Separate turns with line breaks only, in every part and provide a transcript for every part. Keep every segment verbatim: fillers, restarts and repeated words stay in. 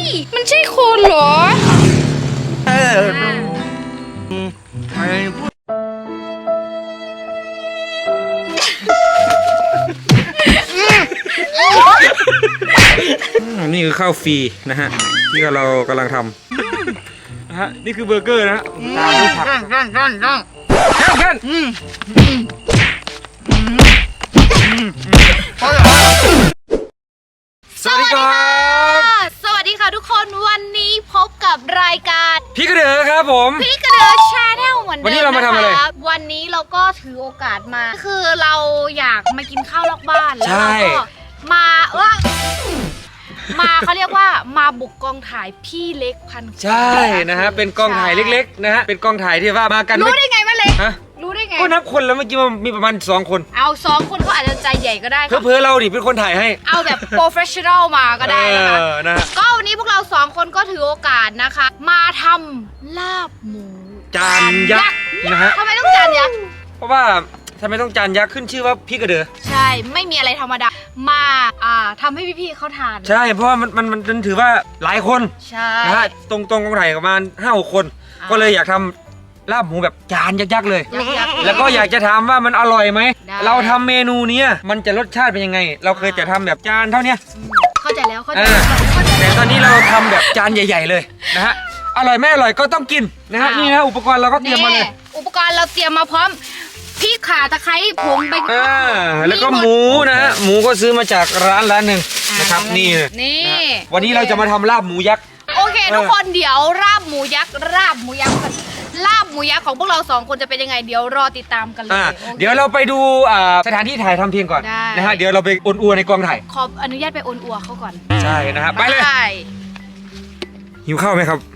มันใช่คนเหรอ
เออ
นี่คือข้าวฟรีนะฮะที่เรากำลังทำนะฮะนี่คือเบอร์เกอร์นะฮะตามด้วยผัก
นั่งนั่งนั่งนั่ง
เพื่อน
สวัสดีค่ะสวัสดีค่ะทุกคนวันนี้พบกับรายการ
พี่กระเดือครับผม
พี่กระเดือชาแนลเหมือนเดิม
วันนี้เรามาทำอะไร
นะคะวันนี้เราก็ถือโอกาสมา คือเราอยากมากินข้าวนอกบ้านแล้วเราก็มาเออมาเขาเรียกว่ามาบุกกองถ่ายพี่เล็กพัน
ใช่นะฮะเป็นกองถ่ายเล็กๆนะฮะเป็นกองถ่ายที่ว่ามากัน
รู้ได้ไงว่าเล็ก
ฮะ
รู้ได้ไง
ก็นับคนแล้วเมื่อกี้มันมีประมาณสองคน
เอาสองคนเขาอาจจะใจใหญ่ก็ได้
เพื่อๆเราดิเป็นคนถ่ายให้
เอาแบบโปรเฟชชั่นอลมาก็ได้นะคะ
เออนะฮะ
ก็วันนี้พวกเราสองคนก็ถือโอกาสนะคะ มาทำลาบหมู
จานยักษ์นะฮะ
ทำไมต้องจานยักษ์
เพราะว่าทำไมต้องจานยักษ์ขึ้นชื่อว่าพี่กระเดือ
ใช่ไม่มีอะไรธรรมดามาอ่าทำให้พี่ๆเขาทาน
ใช่เพราะว่ามันมันมันถือว่าหลายคน
ใช่
นะฮะตรงตรงกองถ่ายประมาณห้าหกคน
อ่า
ก็เลยอยากทำลาบหมูแบบจานยักษ์ๆเลย
ยักษ์ๆ
แล้วก็อยากจะถามว่ามันอร่อยไหม
ได้
เราทำเมนูเนี้ยมันจะรสชาติเป็นยังไง เราเคยจะทำแบบจานเท่าเนี้ย
อืมเข้าใจแล้วเข้าใจ
อ่า
แล้วเข้าใจ
แต่
แล้ว
ตอนนี้เราทำแบบจานใหญ่ ๆ เลยนะฮะอร่อยไม่อร่อยก็ต้องกินนะฮะ
อ้าว
นี่นะอุปกรณ์เราก็เตรียมมาเลย
อุปกรณ์เราเตรียมมาพร้อมพริกข่าตะไคร้ผงใบ
อ่าแล้วก็หมูนะฮะหมูก็ซื้อมาจากร้านร้านหนึ่ง
อ่า
นะครับนี่เลย
นี่
นะฮะวันนี้เราจะมาทำลาบหมูยักษ์
โอเคทุกคนเดี๋ยวราบหมูยักษ์ราบหมูยักษ์ลาบหมูยักษ์ของพวกเราสองคนจะเป็นยังไงเดี๋ยวรอติดตามกันเลย
อ่า
โอค
เดี๋ยวเราไปดูอ่าสถานที่ถ่ายทำเพียงก่อน
ได้
นะฮะเดี๋ยวเราไปอวนอัวในกองถ่าย
ขออนุญาตไปโอนอัวเขาก่อน
ใช่นะฮะไปเลยหิวข้าวไหมครับ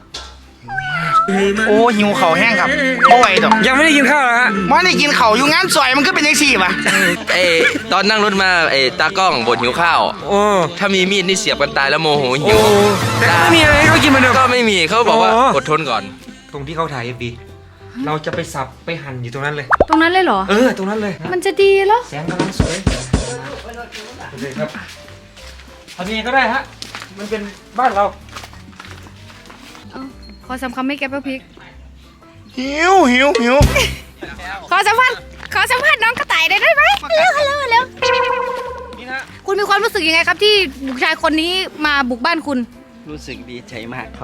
โอ้หิวเข่าแห้งครับบ่ไหวดอก
ยังไม่ได้กินข้าวเหรอฮะ
มันได้กินเข่าอยู่งานซอยมันก็เป็นยังสี่ป่ะ
เอ้ตอนนั่งรถมาเอ้ตากล้องบ่นหิวข้าว
โอ้
ถ้ามีมีดนี่เสียบกันตายแล้วโมโหหิ
โอ้
ว
แต่ก็ไม่มีอะไรให้เขากินเหมือนเดิม
ก็ไม่มีเขาบอกว่า
โอ้
อดทนก่อน
ตรงที่เขาถ่ายเอฟบีเราจะไปสับไปหั่นอยู่ตรงนั้นเลย
ตรงนั้นเลยเหรอ
เออตรงนั้นเลย
มันจะดีเหรอ
แสงกำลังสวยเลยครับทำยังไงก็ได้ฮะมันเป็นบ้านเรา
ขอสำคัญไม่แกปะพริก
หิวหิวหิว
ขอสัมภาษณ์ขอสัมภาษณ์น้องกระต่ายได้ไหมเร็วเร็วเร็ว
นี่นะ
คุณมีความรู้สึกยังไงครับที่บุกชายคนนี้มาบุกบ้านคุณ
รู้สึกดีใจมากครับ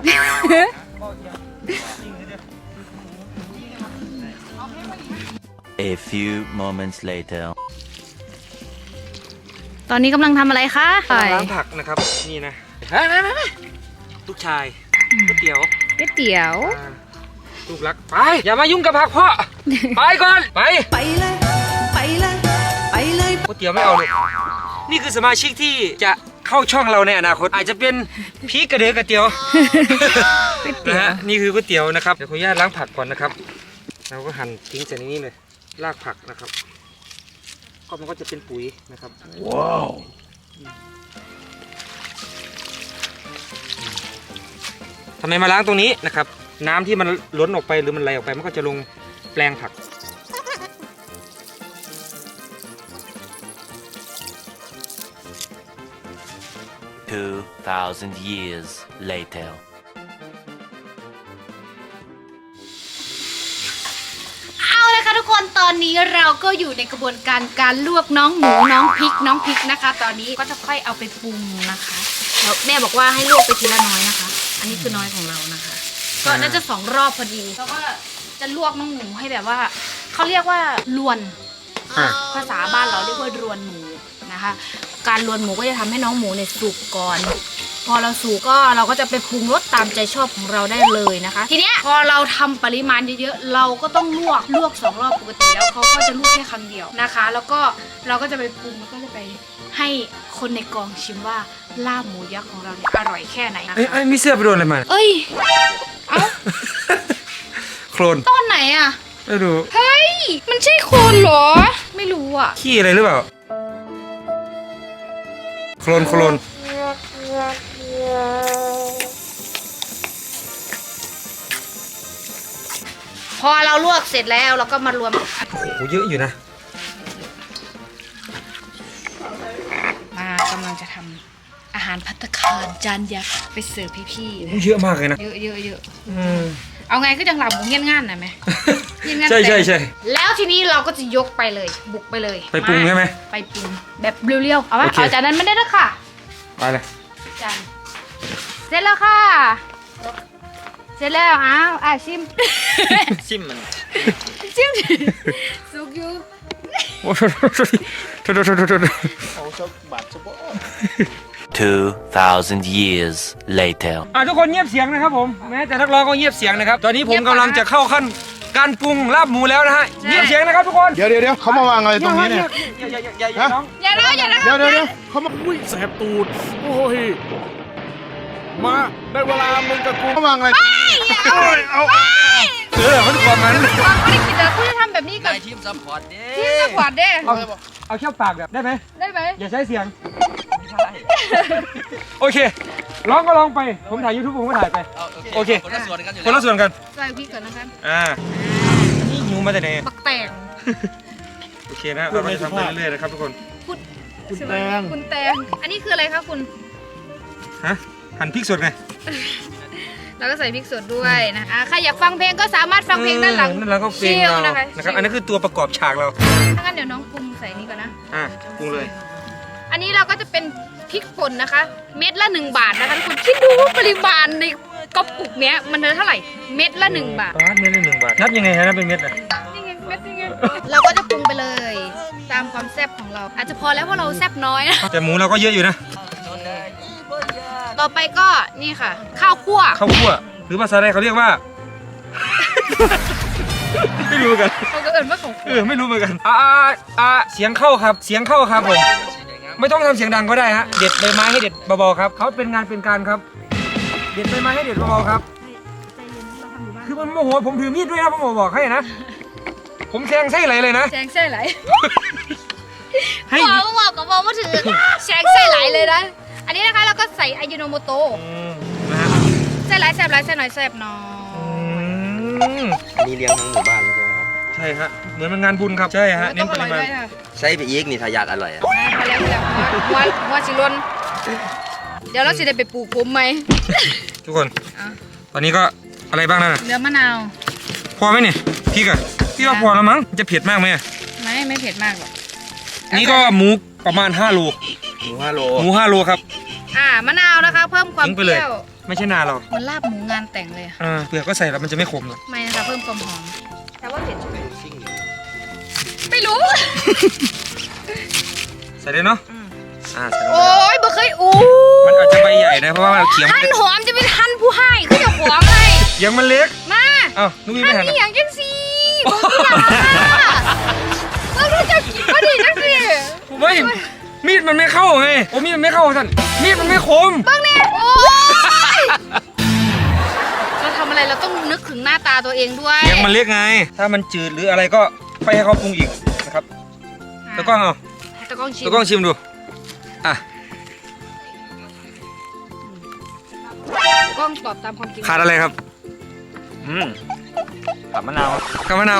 A few moments later.
ตอนนี้กำลังทำอะไรคะ
ล้างผักนะครับนี่นะลูกชายก๋วยเตี๋ยว
ก๋วยเตี๋ยว
อ่าลูกรักไปอย่ามายุ่งกับผักพ่อ ไปก่อนไป
ไปเลยไปเลยไปเลย
ก๋วยเตี๋ยวไม่เอาเลยนี่คือสมาชิกที่จะเข้าช่องเราในอนาคตอาจจะเป็นพีกระเดือกระเตี๋ยวนะฮะนี่คือก๋วยเตี๋ยวนะครับเดี๋ยวขออนุญาตล้างผักก่อนนะครับเราก็หั่นทิ้งใส่ในนี้เลยรากผักนะครับก็มันก็จะเป็นปุ๋ยนะครับว้าวทำไมมาล้างตรงนี้นะครับน้ำที่มันล้นออกไปหรือมันไหลออกไปมันก็จะลงแปลงผัก
Two thousand years later.
เอาเลยค่ะทุกคนตอนนี้เราก็อยู่ในกระบวนการการลวกน้องหมูน้องพริกน้องพริกนะคะ ตอนนี้ก็จะค่อยเอาไปปรุงนะคะแล้วแม่บอกว่าให้ลวกไปทีละน้อยนะคะ อันนี้คือน้อยของเรานะคะ ก็น่าจะสองรอบพอดีแล้วก็จะลวกน้องหมูให้แบบว่าเขาเรียกว่าลวน
อ่ะ
ภาษาบ้านเราเรียกว่ารวนหมูนะคะ การรวนหมูก็จะทำให้น้องหมูเนี่ยสุกก่อน พอเราสุกก็เราก็จะไปปรุงรสตามใจชอบของเราได้เลยนะคะ ทีเนี้ยพอเราทำปริมาณเยอะๆเราก็ต้องลวกลวกสองรอบปกติแล้วเขาก็จะลวกแค่ครั้งเดียวนะคะ แล้วก็เราก็จะไปปรุงแล้วก็จะไปให้คนในกองชิมว่าลาบหมูยักษ์ของเราเนี่ยอร่อยแค่ไหนนะ
เอ้ย
คะ
เอ้ยมีเสื้อไปโดนอะไรมา
เอ้ยเอ้า
โคลน
ตอนไหนอะ
ไม่รู้
เฮ้ยมันใช่คนเหรอไม่รู้อะ
ขี้อะไรหรือเปล่าโคลนโคลน
พอเราลวกเสร็จแล้วเราก็มารวม
โอ้โหเยอะอยู่นะ
มากำลังจะทำอาอาหารภัตตาคารจานยักษ์ไปเสิร์ฟพี่ๆนะ
เยอะมากเลยนะ
เยอะเยอะเยอะ
อืม
เอาไงก็จังหลับหมูเงี้ยนง่านนะไหมเงี้ยนง่าน
ใช่ใช่ใช่
แล้วทีนี้เราก็จะยกไปเลย บุกไปเลย
ไปปรุงใช่ไหม
ไปปรุงแบบเรียวๆเอาวะ
โอเค
เอาจานนั้นไม่ได้แล้วค่ะ
ไปเลย
จานเสร็จแล้วค่ะ เสร็จแล้วอ้าวอ่ะชิม
ชิมมัน
ชิมสุกอยู่
โอ้โหโทษโทษโทษโทษโทษโทษ
Two thousand years later.
อ่ะทุกคนเงียบเสียงนะครับผมแม้แต่นักร้องก็เงียบเสียงนะครับตอนนี้ผมกำลังจะเข้าขั้นการปรุงลาบหมูแล้วนะฮะเงียบเสียงนะครับทุกคน
เดี๋ยวเดี๋ยวเดี๋ยวเขามาวางอะไรตรงนี้เนี่ย
อย่าอย่าอย่าอย่าอย่าร้อง
อย่าร้องอย่าร้อง
เดี๋ยวเดี๋ยวเดี๋ยวเขามา
แสบตูด โอ้ย มาได้เวลามึงกับกู
เขาวางอะไรเอาเอา
เออมันความมัน
ความไม่ได้คิดเลยคุณจะทำแบบนี้กับ
นายทีมซัพพอร์ตเด้
ที่สปอร์ตเด้
เอาเอาแค่ปากแบบได้ไหม
ได้ไหม
อย่าใช้เสียงโอเคร้องก็ร้องไปผมถ่ายยูทูบผมก็ถ่ายไป โอเค
คนละส่วนกันอยู่
คนละส่วนกัน
ใส่พริกก่อนนะครับ
อ่านี่หิวมาแต่ไหน
ปักแตง
โอเคนะเราก็จะทำไปเรื่อยๆนะครับทุกคน
คุณแตงคุณแตงอันนี้คืออะไรคะคุณ
ฮะหั่นพริกสดไง
แล้วก็ใส่พริกสดด้วยนะอ่ะใครอยากฟังเพลงก็สามารถฟังเพลงด้านหลัง
นั่นเราก็เพลง
ชิ
เรา
นะคะ
นะครับอันนั้นคือตัวประกอบฉากเรา
ถ้างั้นเดี๋ยวน้องปรุงใส่นี่ก่อนนะ
อ่ะปรุงเลย
อันนี้เราก็จะเป็นพริกป่นนะคะ เม็ดละหนึ่งบาทนะคะทุกคนคิดดูว่าปริมาณในกระปุกเนี้ยมันเท่าไหร่เม็ดละหนึ่งบาท
บาทเม็ดละหนึ่งบาทนับยังไงฮะนับเป็นเม็ดอ่ะ
นี่ไงเม็ดนี่ไงเราก็จะปรุงไปเลย ตามความแซ่บของเรา อาจจะพอแล้วเพราะเราแซ่บน้อยนะ
แต่หมูเราก็เยอะอยู่นะ
ต่อไปก็นี่ค่ะ ข้าวคั่ว
ข้าวคั่วหรือภาษาไทยเขาเรียกว่า ไม่รู้เหมือนกัน
เขาก็เอิญว่าของ
เออไม่รู้เหมือนกันอ่าอ่าอ่าเสียงเข้าครับ เสียงเข้าครับผมไม่ต้องทำเสียงดังก็ได้ฮะเด็ดใบไม้ให้เด็ดเบาๆครับเขาเป็นงานเป็นการครับ เด็ดใบไม้ให้เด็ดเบาๆครับ คือมันโมโหผมถือมีดด้วยนะผมบอกให้นะ ผมแทงไส้ไหลเลยนะ
แชงไส้ไหล
ให้
บอกก็บอกกับบอกว่าถือแชงไส้ไหลเลยนะ อันนี้นะคะเราก็ใส่อายุโนโมโตะ
อืมนะฮะ
ไส้ไหลแซ่บไหลไส้หน่อยแซ่บหน้อ
อื
ย
ม
อันนี้เลี้ยงทั้งหมู่บ้านเลยใช่ไหมครับ
ใช่ฮะเหมือนมันงานบุญครับใช่ฮะเน้นปริมาณ
ใช้ไปอีกนี่ถ้าอยากอร่อยอะ
พอแล้วพอแล้วหัวหัวสิลนเดี๋ยวเราสิได้ไปปลูกผมไหม
ทุกคน
อ่ะ
ตอนนี้ก็อะไรบ้างนั่นน่ะ
เนื้อมะนาว
พอไหมเนี่ยพริกอะพี่ว่าพอแล้วมั้งจะเผ็ดมากไหมอะ
ไม่ไม่เผ็ดมากหรอก
นี่ก็หมูประมาณห้าโล
หมูห้าโล
หมูห้าโลครับ
อ่ามะนาวนะคะ เพิ่มความ
ทิ้ง
เป
ไปเลย
รี้ยว
ไม่ใช่นาเรา
มันลาบหมูงานแต่งเลยอะ
อ่าเปลือกก็ใส่แล้วมันจะไม่ขมหรอก
ไม่นะคะเพิ่มความหอมแต่ว่าเผ็ดไม่รู้
ใส่เลยเนาะอ่าใส่ลง
โอ้
ไป
ยบ่เคยอู้
มันอาจจะใบใหญ่นะเพราะว่าเขียงมัน
หั่นหอมจะเป็นหั่นผู้ให้คือจะหวงไง
เขียงมันเล็ก
มา
เอ้านุ้ยไม่
หั่น
หัน
นี่
อะ
อย่างจังสีบ่มีหลาเราก็จะกินพอดีจังสิ
เฮ้ยมีดมันไม่เข้าไงโอ้มีดมันไม่เข้าท่านมีดมันไม่คม
เบิ่งแน่โอ้ยเราทำอะไรเราต้องนึกถึงหน้าตาตัวเองด้วย
เขียงมันเล็กไง ถ้ามันจืดหรืออะไรก็ไปให้เขาปรุงอีกนะครับตะกล้องเอา
ตะกล้องชิม
ตะกล้องชิมดูอ่ะ
ตะกล้องตอบตามความจริง
ขาดอะไรครับ
อืมกับมะนาว
กับมะนาว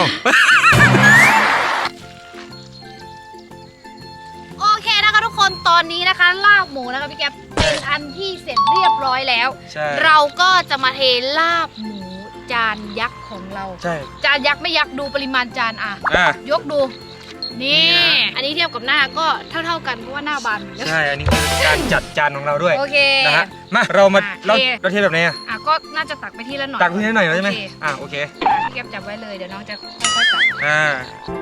โอเคนะคะทุกคนตอนนี้นะคะลาบหมูนะคะพี่แก๊ปเป็นอันที่เสร็จเรียบร้อยแล้ว
ใช่
เราก็จะมาเทลาบหมูจานยักษ์ของเรา
ใช่
จานยักษ์ไม่ยักษ์ดูปริมาณจานอ่ะ
อ่ะ
ยกดู นี่
นี่นะ
อันนี้เทียบกับหน้าก็เท่าๆกันเพราะว่าหน้าบานเหมือนกัน
ใช่ อันนี้คือการจัดจานของเราด้วย
โอเค
นะฮะ มาเรามา
อ่ะ
เรา
เท
เราเทแบบไหนอ่ะ
อ่ะก็น่าจะตักไปที่ละหน่อย
ตักพื้นให้หน่อยใช่ไหม
โอเค
อ่ะโอเค
อ่ะพี่แก๊ปจับไว้เลยเดี๋ยวน้องจะค่อยๆตัก
อ่า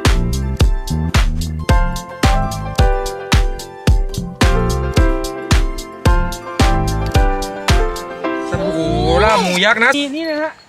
สบู่ลาบหมูยักษ์นะนี่นี่นะฮะ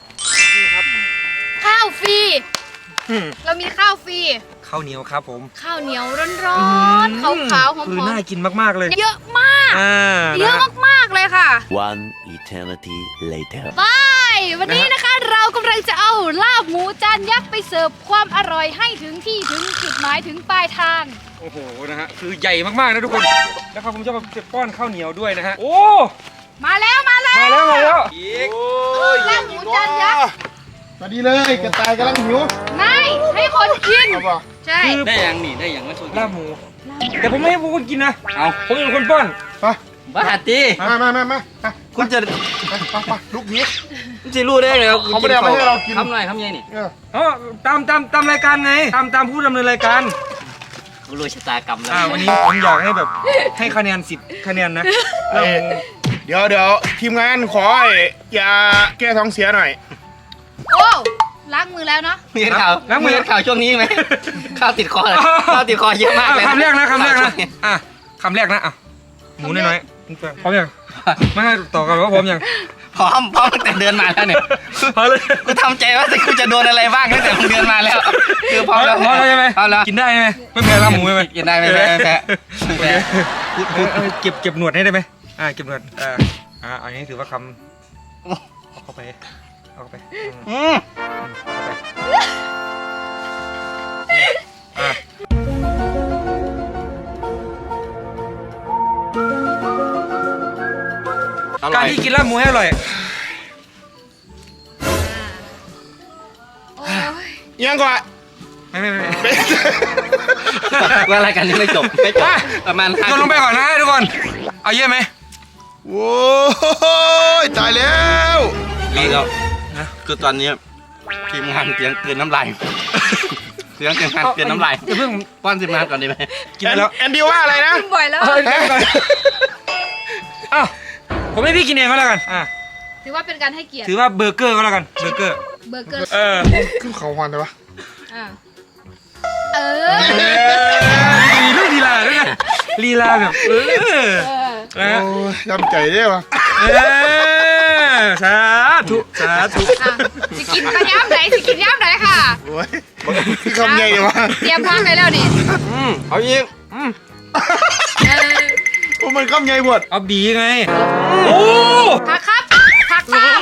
ข้าวฟรี
อืม
เรามีข้าวฟรี
ข้าวเหนียวครับผม
ข้าวเหนียวร้อนๆขาวๆหอ
คือ
ม
น่ากินมากๆเลย
ๆเยอะมาก
อ่า
เยอะ
นะฮะ
มากๆเลยค่ะ
One eternity later.
ไปวันนี้นะคะเรากำลังจะเอาลาบหมูจานยักษ์ไปเสิร์ฟความอร่อยให้ถึงที่ถึงจุดหมายถึงปลายทาง
โอ้โห นะฮะ คือใหญ่มากๆนะทุกคน แล้วครับผมจะมาเก็บก้อนข้าวเหนียวด้วยนะฮะ โอ้
มาแล้วมาแล้ว
มาแล้วมาแล้ว
ลาบหมูจานยักษ์
สวัสดีเลยกระต่ายกำลังหิว
ไม่ให้คนกิน
เอาป่ะ
ใช่
ได้ยังนี่ได้ยังไม่ถูก
ลาบหมู แต่ผมไม่ให้พวกคุณกินนะ เอาผมเป็นคนป้อน
ไป
บ้าตี
มามามามามา
คุณจะ
มามามาลูกนี้
คุณจะรู้ได้ไงครับ
เขาไม่ได้เอามาให้เรากิน
ทำหน่อยทำยังไงนี่
เออ
อ๋อตามตามตามรายการไงตามตามผู้ดำเนินรายการ
กูรู้ชะตากรรมแล้ว
อ่าวันนี้ผมอยากให้แบบให้คะแนนสิบคะแนนนะ
เอ้ยเดี๋ยวเดี๋ยวทีมงานขอไอ้ยาแก้ท้องเสียหน่อย
โอ้ล้างมือแล้วเนาะ
มีเห็นข่าวมีเห็นข่าวช่วงนี้ไหมข้าวติดคอเลยข้าวติดคอเยอะมากเลย
คำแรกนะคำแรกนะอ่ะคำแรกนะอ่ะหมูน้อยๆพร้อมยังไม่ให้ต่อกันว่าพร้อมยัง
พร้อมพร้อมตั้งแต่เดินมาแล้วเนี่ย
พร้อมเลย
กูทำใจว่ากูจะโดนอะไรบ้างตั้งแต่มึงเดินมาแล้วคือพร้อมแล้ว
พร้อมแล้วใช่ไหม
พร้อมแล้ว
กินได้ไหมไม่แพ้ลาบหมูไหม
กินได้ไม่แพ้ไม่แพ้ไม่แพ้
เออเออเก็บเก็บหนวดให้ได้ไหมอ่าเก็บหนวดอ่าอ่าอันนี้ถือว่าคำเอาเข้าไปเอาเข้าไปอืม
อืม
อ่ะ
อร่
กา
อ
ร
ย
ที่กินลาบหมูให้อร่อย
โอ้ย
ยังก่อน
ไม่ไม่ไม่
ว่ารายการนี้ไม่จบไม่จบประมาณ
โยนลงไปก่อนนะทุกคนเอาเยอะไหม
โว้ยตายแล้ว
นี่ก็คือตอนนี้ทีมงานเสียงเกินน้ำลายเสียงทีมงานเกินน้ำลาย
อย่าเพิ่ง
ป้อนทีมงานก่อนดีไหม
กินไปแล้ว
แอนดี้ว่าอะไรนะ
กินบ่อยแล้ว
เอ้ยเดี๋ยวก่อนอ้าวผมให้พี่กินเองก็แล้วกันอ่ะ
ถือว่าเป็นการให้เกียรติ
ถือว่าเบอร์เกอร์ก็แล้วกันเบอร์เกอร์
เบอร์เกอร์
เออ
ขึ้นเขาฮอนเลยวะ
อ่าเออ
มีเรื่องลีลาด้วยนะลีลาแบบเออ
เออ
นะฮะ
โอ้ยยำใจได้ปะ
เออสาธุสาธุ
อ่ะสิกินมาย้ำไหนสิกินย้ำไหนค่ะ
โอ้ยคือคำใหญ่เลยวะ
เตรียมพร้อมไปแล้วนี่
อืมเอาอีก
เออ
โอ้มันคำใหญ่หมด
เอาบีไงโอ้
ผักครับผักตาม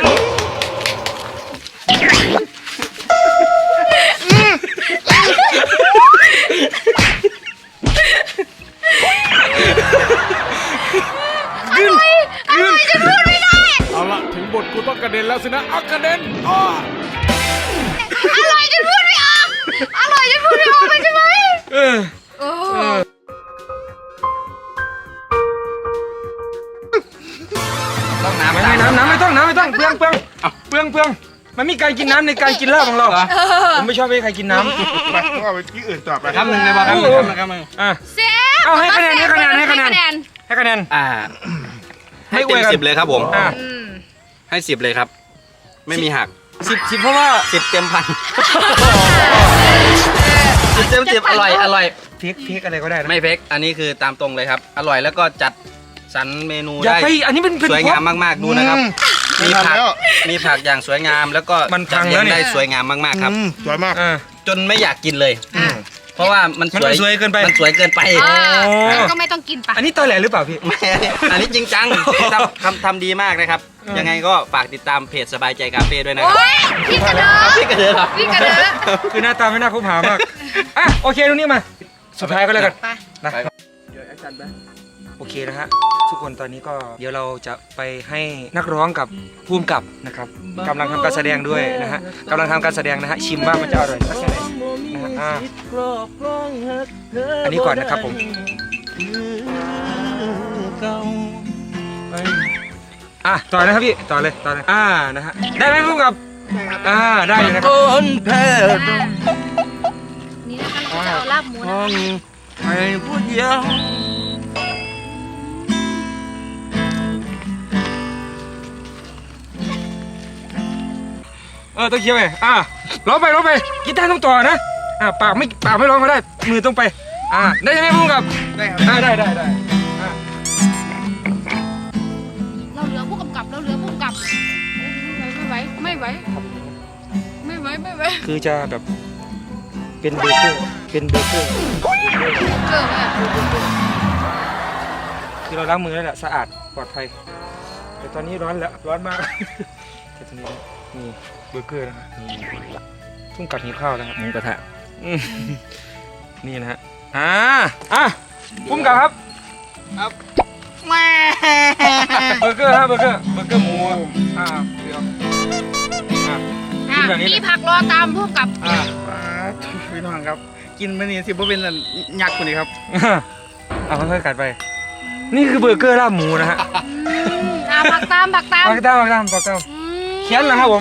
ขึ้นขึ้น
จะพูดไม่ได้
เอาละถึงบทกูต้องกระเด็นแล้วสินะเอากระเด็นอ้อ
อร่อยจนพูดไม่ออกอร่อยจนพูดไม่ออกเลยใช่ไหม
เออ
โอ้
ต้องน้ำ
ไม่ไม่น้ำน้ำไม่ต้องน้ำไม่ต้องเปลืองเปลืองเปลืองเปลืองมันมีการกินน้ำในการกินลาบของเราผมไม่ชอบให้ใครกินน้ำ
ไปต้องเอาไปที่อื่นต่อไป
คำหนึ่งเลยบอกคำหนึ่งคำหนึ่งคำหนึ่ง
อ่ะ
เซฟ
เอาให้คะแนนให้คะแนนให้คะแนน ให้คะแนน
อ่า ให้เต็มสิบเลยครับผม
อ่ะ
อืม
ให้สิบเลยครับ ไม่มีหัก
สิบสิบเพราะว่า
สิบเต็มพันสิบเต็มสิบอร่อยอร่อย
พริกพริกอะไรก็ได้นะ
ไม่เฟกอันนี้คือตามตรงเลยครับ อร่อยแล้วก็จัดสรรเมนู
อย่า
ได้
ไปอันนี้เป็นเป็น
สวยงามมากๆดูนะครับ
มี
มี
ผั
ผั
ก
ก
แล้ว
มีผักอย่างสวยงามแล้วก็
มันพั
จัด
ง
เรีย
แล้
ง
วเนี่ย
ได้สวยงามมากๆครับ
อืมสวยมาก
อ่า
จนไม่อยากกินเลย
อ่ะ
เพราะว่ามัน
มัน
สวย
สวยเกินไป
มันสวยเกินไป
อ่า
โอ้
งั้นก็ไม่ต้องกินปะ
อันนี้ตอแหลหรือเปล่าพี่
ไม่อันนี้จริงจังทำทำทำดีมากนะครับ
เออ
ยังไงก็ฝากติดตามเพจสบายใจคาเฟ่ด้วยนะค
โอ้
รับ
ยพี่กระเดิด
พี่กระเดือเหรอ
พี่กระเดิด
คือหน้าตาไม่น่าคบหามากอ่ะโอเคตรงนี้มา สุดท้ายก็แล้วกัน
ไป
นะ
ไป
โอเคนะฮะทุกคนตอนนี้ก็เดี๋ยวเราจะไปให้นักร้องกับภูมิกับนะครับกำลังทำการแสดงด้วยนะฮะกำลังทำการแสดงนะฮะชิมว่ามันจะอร่อยสักแค่ไหนนะฮะอ่าอันนี้ก่อนนะครับผมอ่ะต่อนะครับพี่ต่อเลยต่อเลยอ่านะฮะได้ไหมภูมิกับอ่าได้อยู่นะครับ
นี่นะคะเราจะเอาลาบหมูนะ
ให้ผู้เดียว
เออต้องเคี้ยวไปอ่าร้องไปร้องไปกีตาร์ต้องต่อนะอ่าปากไม่ปากไม่ร้องก็ได้มือต้องไปอ่าได้ไหมภูมิกับได้ครับอ่าได้ได้ได้อ่า
เราเหลือผู้กำกับเราเหลือผู้กำกับไม่ไหวไม่ไหวไม่ไหวไม่ไหว
คือจะแบบเป็นเบอร์เกอร์เป็นเบอร์เกอร์
เจอไหมอ่ะ
คือเราล้างมือแล้วแหละสะอาดปลอดภัยแต่ตอนนี้ร้อนแล้วร้อนมากแต่ตอนนี้นี่เบอร์เกอร์นะครับนี่ทุ่งกัดหิวข้าวแล้วครับ
หมูกระทะ
อืมนี่นะฮะอ่าอ่ะปุ้มกับครับ
แม่
เบอร์เกอร์ครับเบอร์เกอร์เบอร์เกอร์หมูอ่าเดี๋ยวอ่ะ กินแบบนี้เลย
มีผักรอตามผู้กำกับ
อ่า
พี่น้องครับ กินมันนี่สิบ่เป็นยักษ์คนนี้ครับ
เอาค่อยๆกัดไปนี่คือเบอร์เกอร์ลาบหมูนะฮะ
อืมอ่ะผักตามผักตาม
ปากตามปากตามปากตาม
อืม
เขียนเหรอครับผม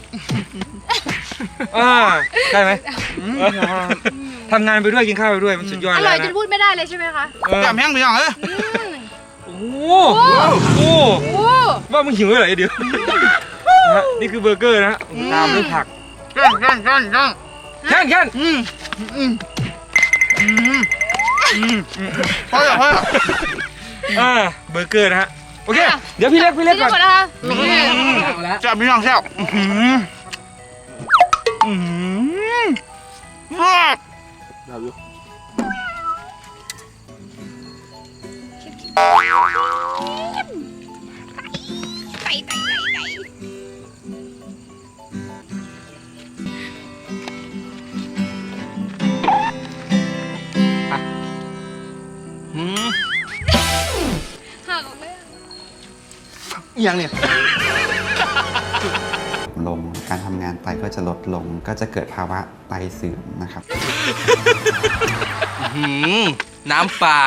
อ่าได้ไหมทำงานไปด้วยกินข้าวไปด้วยมันสุดยอด
อ
เลย
ร่อยจ
นะ
นพูดไม่ได้เลยใช่ไหมคะ
เออ
จำแห้งไปยังเอ้ย
อืม
โอ้โหโอ้
โอ้
ว่ามึงหิวเหรอไอเดียวนะฮะนี่คือเบอร์เกอร์นะฮะตามด้วยผัก
ย่างย่างย่างย่าง
แค่นแค่น
อืมอืมอืมอืมพอแล้วพอแล้ว
อ่าเบอร์เกอร์นะฮะโอเคเดี๋ยวพี่เล็กพี่เล็ก
ที่
ก่อน
หมดนะคะ
แซ่บพี่น้องแซ่บอืมอืมว้าว
ไก่ไก่ไก่ไก่
หืม
หักออกเลย
อหย่างเนี่ย
ลงการทำงานไตก็จะลดลงก็จะเกิดภาวะไตเสื่อมนะครับ
หืมน้ำปลา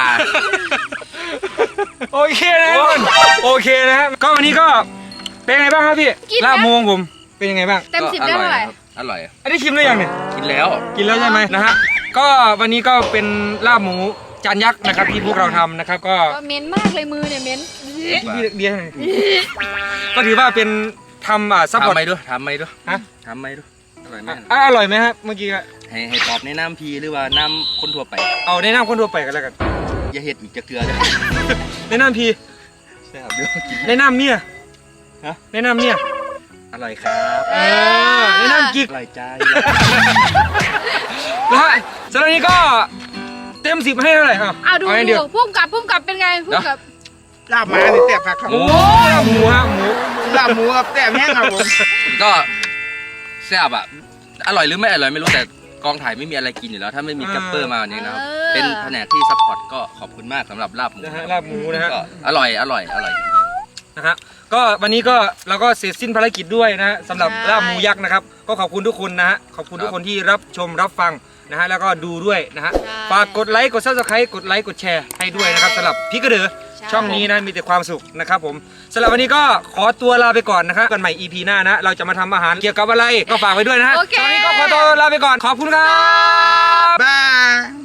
โอเคนะทุกคนโอเคนะฮะก็วันนี้ก็เป็นไงบ้างครับพี่ลาบหมูของผมเป็นยังไงบ้าง
เต็มสิบได้เท่าไหร่
อร่อย
อันนี้ชิมได้ยังเนี่ย
กินแล้ว
กินแล้วใช่ไหมนะฮะก็วันนี้ก็เป็นลาบหมูจานยักษ์นะครับที่พวกเราทำนะครับก็
ก็เหม็นมากเลยมือเนี่ยเหม็น
พี่เบียร์ให้หน่อยก็ถือว่าเป็นทำอ่าซัพพอ
ทำ
ร์ต
ไหมด้วยทำไหมด้วย
ฮะ
ทำไหมด้วยอร่อยไหม
อ่ะอร่อยไหมครับเมื่อกี้อะ
ให้ให้ตอบในน้ำพีหรือว่าน้ำคนทั่วไป
เอาแนะนำคนทั่วไปกันแล้วกัน
อย่าเห็ดอีกจะเกลือเลย
แนะนำพี
แซ่บเดี๋ยวกิน
แนะนำเนี่ย
ฮะ
แนะนำเนี่ย
อร่อยครับ
เออแนะนำกิ๊ก
อร่อยใจ
นะฮะสำหรับนี้ก็เต็มสิบให้เท่าไหร่อ่ะ
อ้าวดู
เอาอย่างเดียว
ดูพุ่มกับพุ่มกับเป็นไงพุ่มกับ
ลาบหมาเนี่ยแซ่บครับ
โอ้ยหมูฮะหมู
ลาบหมูกับแซ่บแห้งครับผม
ก็แซ่บอ่ะอร่อยหรือไม่อร่อยไม่รู้แต่กองถ่ายไม่มีอะไรกินอยู่แล้ว ถ้าไม่มีกัปเปอร์มาเนี่ยนะครับเป็นแผนกที่ซัพพอร์ตก็ขอบคุณมากสำหรับลาบหมู
นะฮะลาบหมูนะฮะ
ก็อร่อยอร่อยอร่อยจริง
นะฮะก็วันนี้ก็เราก็เสร็จสิ้นภารกิจด้วยนะฮะสำหรับลาบหมูยักษ์นะครับก็ขอบคุณทุกคนนะฮะขอบคุณทุกคนที่รับชมรับฟังนะฮะแล้วก็ดูด้วยนะฮะฝากกดไลค์กดซับสไครต์กดไลค์กดแชร์ให้ด้วยนะครับสำหรับพี่กระเดือช่องนี้นะมีแต่ความสุขนะครับผมสำหรับวันนี้ก็ขอตัวลาไปก่อนนะครับกันใหม่ อี พี หน้านะเราจะมาทำอาหารเกี่ยวกับอะไรก็ฝากไว้ด้วยนะฮะ
โอเค
ตอนนี้ก็ขอตัวลาไปก่อนขอบคุณครับ
บาย